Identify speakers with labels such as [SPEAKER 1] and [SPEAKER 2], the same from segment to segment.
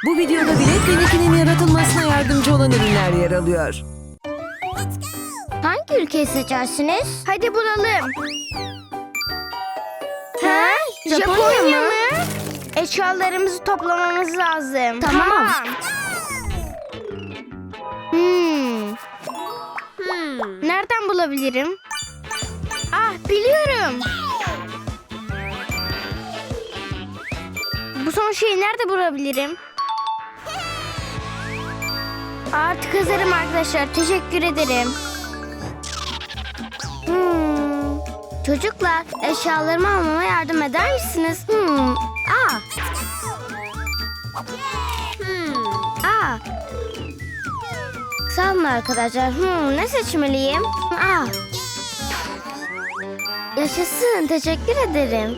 [SPEAKER 1] Bu videoda Bilek ve Nicky'nin yaratılmasına yardımcı olan ürünler yer alıyor.
[SPEAKER 2] Hangi ülkeyi seçersiniz? Hadi bulalım. Ha? Japonya mı? Eşyalarımızı toplamamız lazım. Tamam. Nereden bulabilirim? Ah, biliyorum. Bu son şeyi nerede bulabilirim? Artık hazırım arkadaşlar. Teşekkür ederim. Çocuklar, eşyalarımı almama yardım eder misiniz? Sağ olun arkadaşlar. Ne seçmeliyim? Yaşasın. Teşekkür ederim.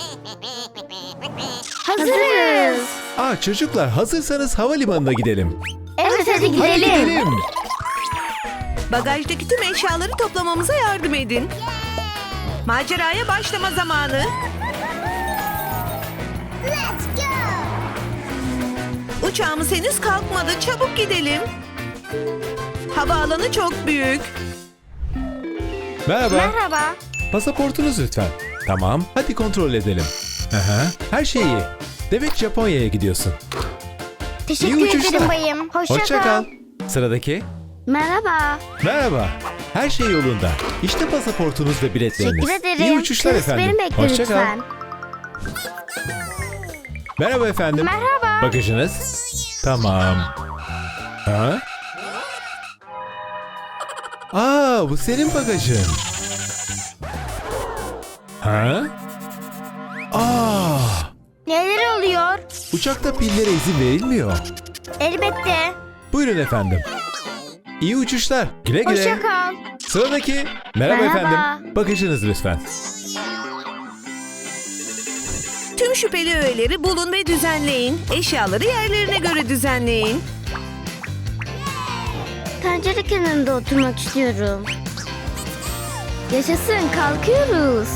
[SPEAKER 2] Hazırız.
[SPEAKER 3] Çocuklar hazırsanız havalimanına gidelim.
[SPEAKER 2] Evet, hadi
[SPEAKER 3] Hadi
[SPEAKER 2] gidelim.
[SPEAKER 3] gidelim.
[SPEAKER 1] Bagajdaki tüm eşyaları toplamamıza yardım edin. Maceraya başlama zamanı. Uçağımız henüz kalkmadı. Çabuk gidelim. Havaalanı çok büyük.
[SPEAKER 3] Merhaba.
[SPEAKER 2] Merhaba.
[SPEAKER 3] Pasaportunuz lütfen. Tamam, hadi kontrol edelim. Her şey iyi. Demek Japonya'ya gidiyorsun.
[SPEAKER 2] Teşekkür
[SPEAKER 3] İyi uçuşlar.
[SPEAKER 2] ederim bayım.
[SPEAKER 3] Hoşça kal. Sıradaki.
[SPEAKER 2] Merhaba.
[SPEAKER 3] Merhaba. Her şey yolunda. İşte pasaportunuz ve biletleriniz.
[SPEAKER 2] Teşekkür ederim.
[SPEAKER 3] İyi uçuşlar
[SPEAKER 2] Kız,
[SPEAKER 3] efendim.
[SPEAKER 2] beni bekle
[SPEAKER 3] Hoşça kal.
[SPEAKER 2] lütfen.
[SPEAKER 3] Merhaba efendim.
[SPEAKER 2] Merhaba.
[SPEAKER 3] Bagajınız. Tamam. Bu senin bagajın.
[SPEAKER 2] Neler oluyor?
[SPEAKER 3] Uçakta pillere izin verilmiyor.
[SPEAKER 2] Elbette.
[SPEAKER 3] Buyurun efendim. İyi uçuşlar. Güle güle.
[SPEAKER 2] Hoşça kal.
[SPEAKER 3] Sıradaki. Merhaba
[SPEAKER 2] Merhaba.
[SPEAKER 3] efendim. Bagajınız lütfen.
[SPEAKER 1] Tüm şüpheli öğeleri bulun ve düzenleyin. Eşyaları yerlerine göre düzenleyin.
[SPEAKER 2] Pencere kenarında oturmak istiyorum. Yaşasın, kalkıyoruz.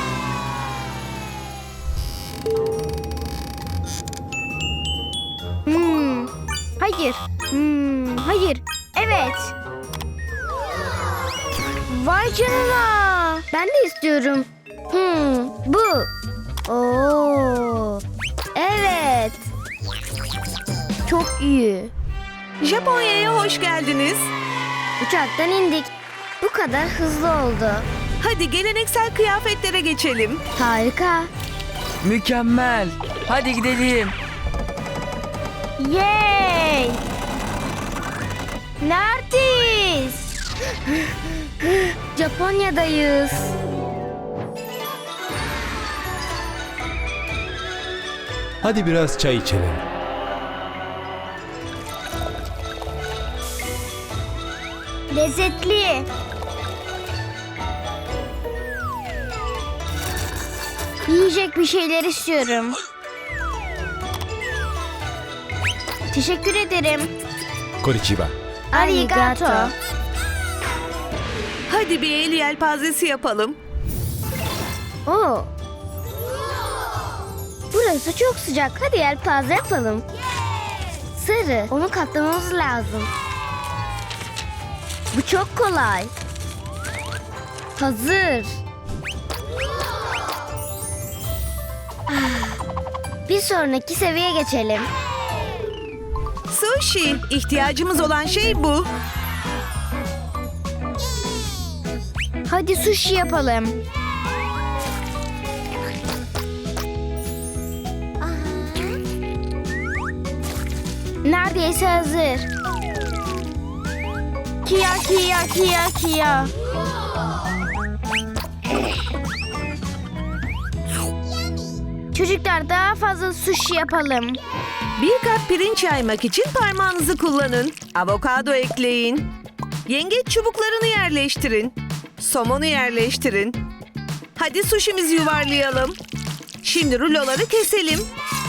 [SPEAKER 2] Hayır. Hayır. Evet. Vay canına. Ben de istiyorum. Bu. Oo. Evet. Çok iyi.
[SPEAKER 1] Japonya'ya hoş geldiniz.
[SPEAKER 2] Uçaktan indik. Bu kadar hızlı oldu.
[SPEAKER 1] Hadi geleneksel kıyafetlere geçelim.
[SPEAKER 2] Harika.
[SPEAKER 4] Mükemmel. Hadi gidelim.
[SPEAKER 2] Yay! Neredeyiz? Japonya'dayız.
[SPEAKER 3] Hadi biraz çay içelim.
[SPEAKER 2] Lezzetli. Yiyecek bir şeyler istiyorum. Teşekkür ederim.
[SPEAKER 3] Konnichiwa.
[SPEAKER 2] Arigato.
[SPEAKER 1] Hadi bir el yelpazesi yapalım.
[SPEAKER 2] Oo. Burası çok sıcak. Hadi yelpaze yapalım. Sarı. Onu katlamamız lazım. Bu çok kolay. Hazır. Bir sonraki seviyeye geçelim.
[SPEAKER 1] Sushi. İhtiyacımız olan şey bu.
[SPEAKER 2] Hadi sushi yapalım. Neredeyse hazır. Kia kia kia kia. Çocuklar, daha fazla sushi yapalım.
[SPEAKER 1] Bir kap pirinç yaymak için parmağınızı kullanın. Avokado ekleyin. Yengeç çubuklarını yerleştirin. Somonu yerleştirin. Hadi suşimizi yuvarlayalım. Şimdi ruloları keselim.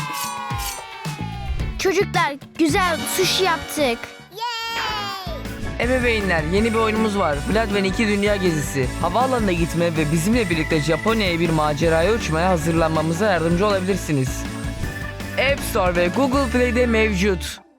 [SPEAKER 2] Çocuklar, güzel sushi yaptık.
[SPEAKER 4] Ebeveynler, yeni bir oyunumuz var. Vlad ve Nicky Dünya Gezisi. Havaalanına gitme ve bizimle birlikte Japonya'ya bir maceraya uçmaya hazırlanmamıza yardımcı olabilirsiniz. App Store ve Google Play'de mevcut.